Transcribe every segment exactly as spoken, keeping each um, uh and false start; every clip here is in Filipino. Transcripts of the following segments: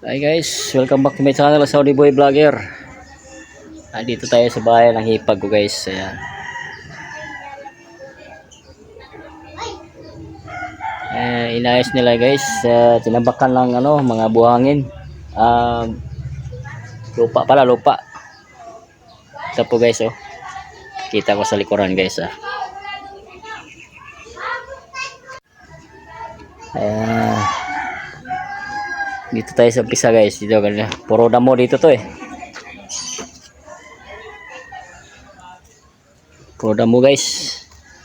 Hi guys, welcome back to my channel, Saudi Boy Vlogger. Dito tayo sa bahay ng hipag ko guys. Ayan. Eh, inayos nila guys. Uh, tinabakan lang ano, mga buhangin. Uh, lupa pala, lupa. Ito po guys oh. Kita ko sa likuran guys ah. Ayan. Dito tayo sa umpisa guys. Dito ganyan. Puro damo dito to eh. Puro damo guys.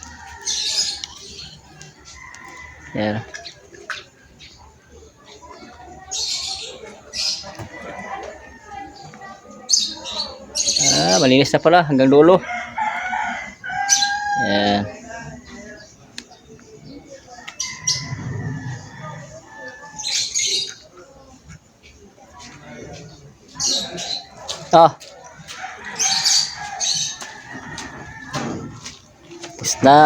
Ayan. Ah, malinis na pala hanggang dulo. Ayan. Ah. Tapos na.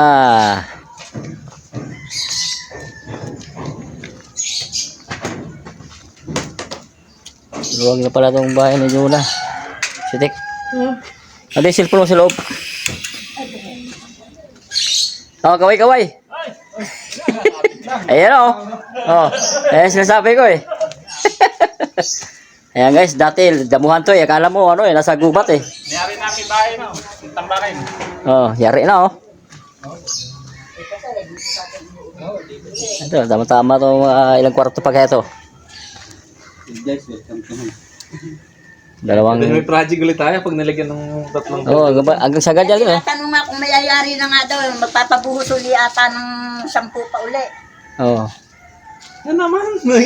Luwag na pala itong bahay ni Juna. Sitik. Hmm. Ano yung cellphone mo sa loob? Oh, kaway kaway. Ayan o. Oh. Ayan sinasabi ko eh. Ayan guys, dati damuhan to eh. Akala mo ano eh, nasa gubat eh. Niyari namin bahay no, tambakin. Oh, yari na oh. Ito, tama-tama to uh, ilang kwarto pa kaya to. Guys, welcome to home. Dalawang... May project ulit tayo pag nalagyan ng tatlong... Oo, oh, hanggang sagad yan eh. Tanong nga kung mayayari na nga daw, magpapabuhos uli ata ng sampu pa uli. Oo. Ano naman?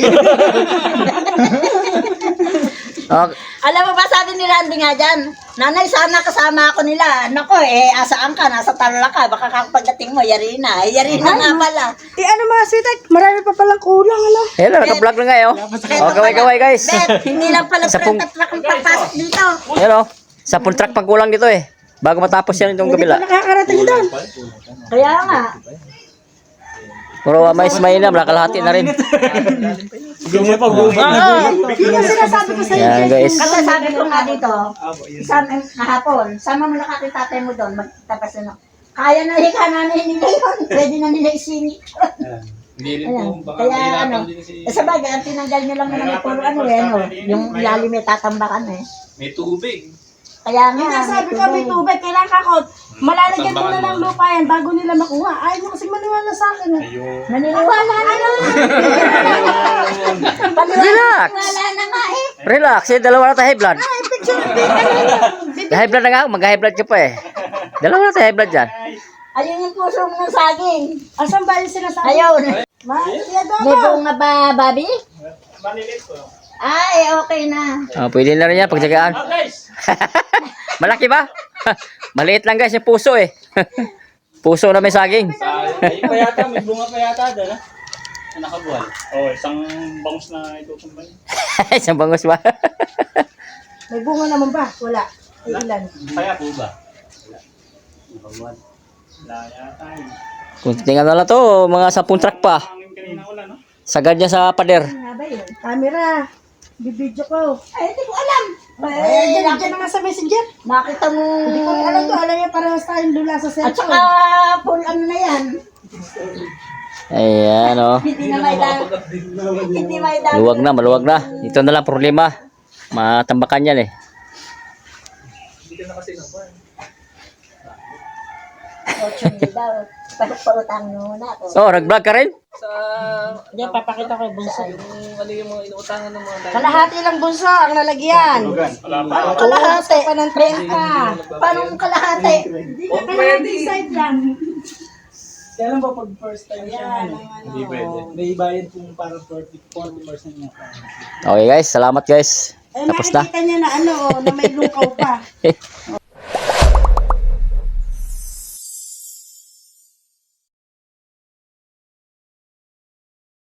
Oh. Alam mo ba, sabi ni Randy nga dyan, nanay, sana kasama ako nila. Nako, eh, asaan ka? Nasa Tarlac ka. Baka kapagdating mo, yari na. Eh, yari na nga pala. Eh, ano mga sweetheart? Marami pa palang kulang, ala. Hello, naka-vlog na nga eh. Oh, oh kaway-kaway guys. Bet, hindi lang pala Sa pung- truck ang papasok dito. Hello. Sa full track pang kulang dito eh. Bago matapos yan itong Hindi kabila. pa nakakarating doon. Kaya nga. Puro uh, mais may na, kalahati na rin. Gumawa pa, gumawa. Yun yung sinasabi ko sa'yo. Yan guys. Kasi sabi ko nga dito, isang kahapon, sama mo nakakita tatay mo doon, magtapas na. Kaya na hika namin nila yun. Pwede na nila isingit. Hindi rin Ayan. po, baka Kaya ano, mahirapan din si... eh, sa bagay, ang tinanggal nyo lang naman yung puro ano eh, ano, yung ilalim may tatambakan eh. May tubig. Kaya nga, Yung sabi ko, may tubig. tubig. Kailangan ka ko, malalagyan ko na ng lupa yan bago nila makuha. Ayaw mo kasi maniwala sa akin. Eh. Ayun. Naniniwala na ano? Relax. Wala na nga eh. Relax, eh, dalawa na tayo high blood. High blood na nga, mag-high blood ka pa eh. Dalawa na tayo high blood dyan. Ayun yung puso mo ng saging. Asan ba yung sinasabi? Ayun. Ma, siya daw May ba? bunga ba, Bobby? Malilit po. Ah, eh, okay na. Oh, pwede na rin yan, pagtsagaan. Oh guys! Malaki ba? Maliit lang guys yung puso eh. Puso na may saging. Ay pa yata, may bunga pa yata doon ha? Na nakabuhal. Oh, isang bangus na itutumbay. Isang bangus ba? May bunga naman ba? Wala. Ay, ilan? Kaya po ba? Wala. Nakabuhal. Wala yata yun. Kung tingnan na lang to, mga sapung track pa. Hangin kanina ulan no? Sagad niya sa pader. Ano nga ba yun? Camera. Bibidyo ko. Ay, hindi ko alam. Ay, Eh, dyan, nakita, dyan na nga sa messenger. nakita mo. Hindi ko alam to. Alam niya parehas tayong dula sa At cellphone. saka, full ano na yan. Ayan oh. Hindi na may dami. Hindi may dami. Luwag na, maluwag na. Ito na lang problema. Matambakan yan eh. Hindi ka na kasi nakuha. Ocho mil daw. Pautang muna ako. Oh, nag-vlog ka rin? Sa... Diyan, papakita ko yung bunso. Yung ano yung mga inuutangan ng mga tayo. Kalahati lang bunso ang lalagyan. Wala pa. Kalahati pa ng trenta. Paano kung kalahati? Oh, pwede. Side lang. Kaya lang ba pag first time siya Ayan, ano, ang ano. Hindi pwede. may bayad kung parang forty percent niya. Okay guys, salamat guys. Eh, Tapos na. makikita niya na ano, oh, na may lukaw pa.